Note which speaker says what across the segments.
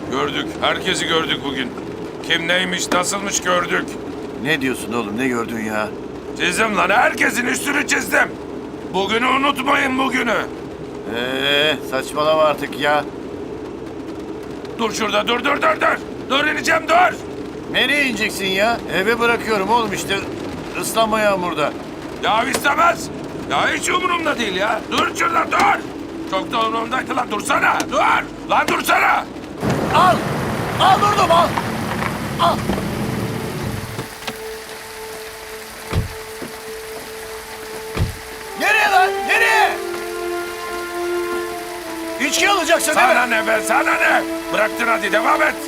Speaker 1: Gördük. Herkesi gördük bugün. Kim neymiş, nasılmış gördük.
Speaker 2: Ne diyorsun oğlum, ne gördün ya?
Speaker 1: Çizdim lan, herkesin üstünü çizdim. Bugünü unutmayın, bugünü.
Speaker 2: Saçmalama artık ya.
Speaker 1: Dur şurada, dur. Dur ineceğim, dur.
Speaker 2: Nereye ineceksin ya? Eve bırakıyorum oğlum işte. Islanma yağmurda.
Speaker 1: Ya istemez. Ya hiç umurumda değil ya. Dur şurada, dur. Çok da umurumdaydı lan, dursana. Dur. Lan dursana.
Speaker 2: Al! Al durdum, al! Al! Nereye lan? Nereye? İçki alacaksın değil mi?
Speaker 1: Sana ne be, sana ne? Bıraktın, hadi devam et.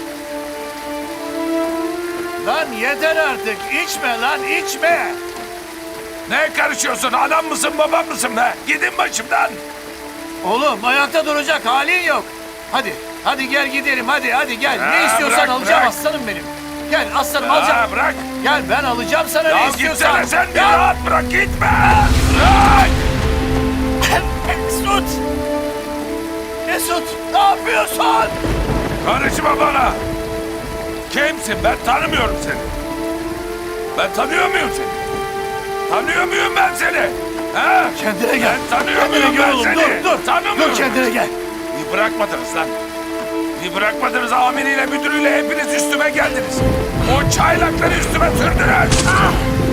Speaker 2: Lan yeter artık. İçme lan, içme.
Speaker 1: Ne karışıyorsun? Anam mısın, babam mısın be? Gidin başımdan.
Speaker 2: Oğlum ayakta duracak halin yok. Hadi gel gidelim hadi gel. Ne istiyorsan
Speaker 1: bırak,
Speaker 2: alacağım
Speaker 1: bırak.
Speaker 2: aslanım benim. Gel aslanım alacağım.
Speaker 1: Bırak.
Speaker 2: Gel ben alacağım sana ne
Speaker 1: Ya
Speaker 2: istiyorsan.
Speaker 1: gitsene sen, bir
Speaker 2: Gel.
Speaker 1: rahat bırak, gitme. Bırak.
Speaker 2: Mesut! Mesut ne yapıyorsun?
Speaker 1: Karışma bana. Kimsin? Ben tanımıyorum seni. Ben tanıyor muyum seni? Tanıyor muyum ben seni? Ha?
Speaker 2: Kendine gel.
Speaker 1: Ben tanıyor
Speaker 2: Kendine
Speaker 1: muyum
Speaker 2: gel
Speaker 1: ben
Speaker 2: oğlum,
Speaker 1: seni?
Speaker 2: dur.
Speaker 1: Tanımıyorum.
Speaker 2: Dur kendine gel.
Speaker 1: Bir bırakmadınız lan. Bir bırakmadınız, amiriyle müdürüyle hepiniz üstüme geldiniz. O çaylakları üstüme sürdünüz. Ah!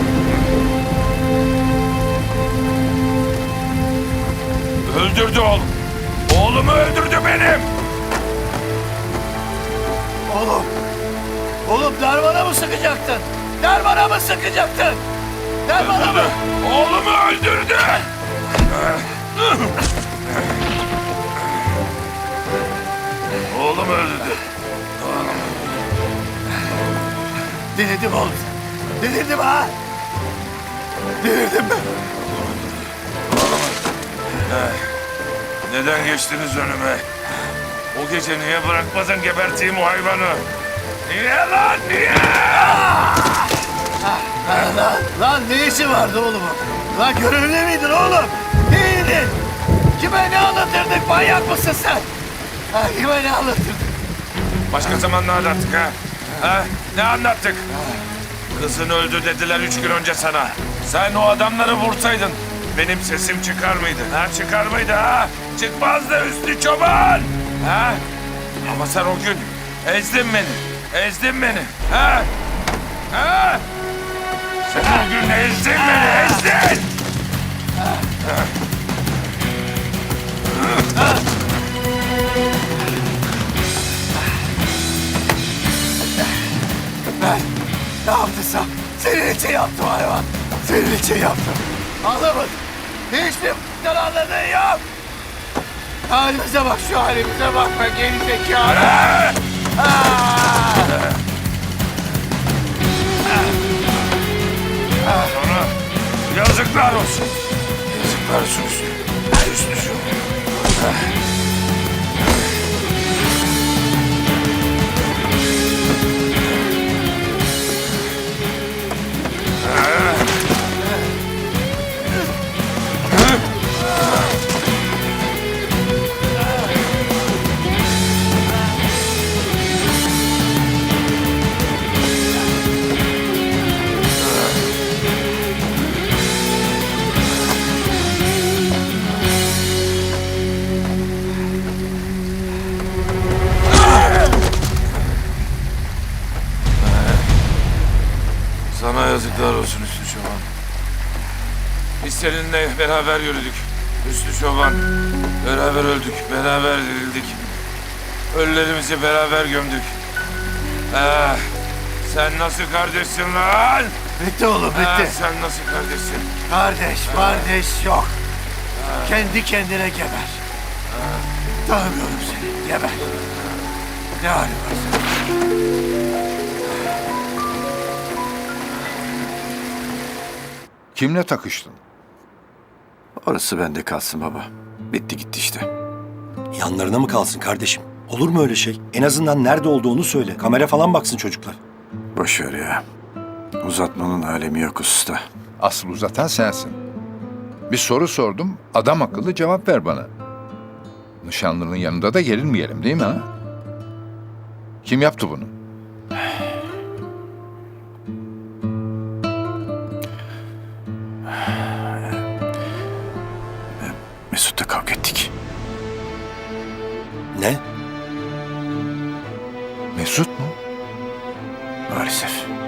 Speaker 1: Öldürdü oğlum. Oğlumu öldürdü benim.
Speaker 2: Oğlum darmana mı sıkacaktın? Darmana mı sıkacaktın? Darmana mı?
Speaker 1: Oğlumu öldürdü. Oğlumu öldürdü.
Speaker 2: Delirdim oğlum. Delirdim ha. Delirdim ben.
Speaker 1: Neden geçtiniz önüme? O gece niye bırakmadın geberteyim o hayvanı? Niye lan, niye?
Speaker 2: Lan ne işi vardı oğlum? Lan görevli miydin oğlum? Neydin? Kime ne anlatırdık? Manyak mısın sen? Ha, kime ne anlatırdık?
Speaker 1: Başka zaman ne anlattık ha? Ha? Ne anlattık? Kızın öldü dediler 3 gün önce sana. Sen o adamları vursaydın benim sesim çıkar mıydı? Ha, çıkar mıydı ha? Çıkmazdı Hüsnü Çoban. Ha? Ama sen o gün ezdin beni. Ezdin beni. Ha? Ha? Sen o gün ezdin beni, ezdin.
Speaker 2: Ne yaptıysam senin için yaptım hayvan. Senin için yaptım. Anlamadın. Hiçbir anladığın yok. Halimize bak, şu halimize bak be geri zekalı.
Speaker 1: Sonra yazıklar olsun. Yazıklar olsun Hüsnü. Hüsnü Çoban. Sana yazıklar olsun Hüsnü Çoban. Biz seninle beraber yürüdük. Hüsnü Çoban. Beraber öldük, beraber dirildik. Ölülerimizi beraber gömdük. Sen nasıl kardeşsin lan?
Speaker 2: Bitti oğlum bitti.
Speaker 1: Sen nasıl kardeşsin?
Speaker 2: Kardeş yok. Kendi kendine geber. Tanımıyorum seni. Geber. Ne halin var senin?
Speaker 3: Kimle takıştın?
Speaker 2: Orası bende kalsın baba. Bitti gitti işte.
Speaker 4: Yanlarına mı kalsın kardeşim? Olur mu öyle şey? En azından nerede olduğunu söyle. Kamera falan baksın çocuklar.
Speaker 2: Boş ver ya. Uzatmanın alemi yok usta.
Speaker 3: Asıl uzatan sensin. Bir soru sordum, adam akıllı cevap ver bana. Nişanlının yanında da gerilmeyelim değil mi ha? Kim yaptı bunu?
Speaker 2: Mesut'la kavga ettik.
Speaker 4: Ne?
Speaker 3: Mesut mu?
Speaker 2: Maalesef.